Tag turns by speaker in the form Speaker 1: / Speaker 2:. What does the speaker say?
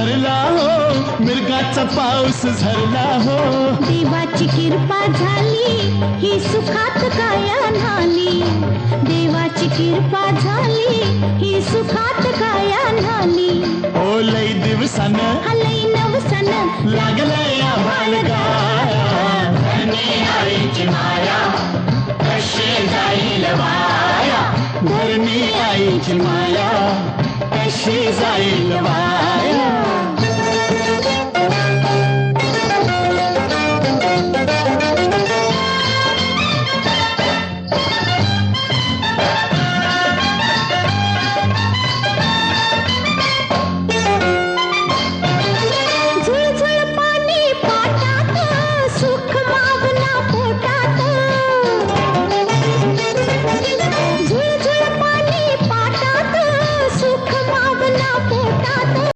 Speaker 1: भरला हो, मिरगाचा पाऊस झरला हो.
Speaker 2: देवाची कृपा झाली ही सुखात काया न्हाली. देवाची कृपा झाली ही सुखात काया न्हाली.
Speaker 1: ओ लई दिवसान
Speaker 2: लई नवसन
Speaker 1: लागलंय आभाळ गाया.
Speaker 3: धरणी आईची माया कशी जाईल वाया.
Speaker 1: धरणी आईची माया कशी जाईल वाया.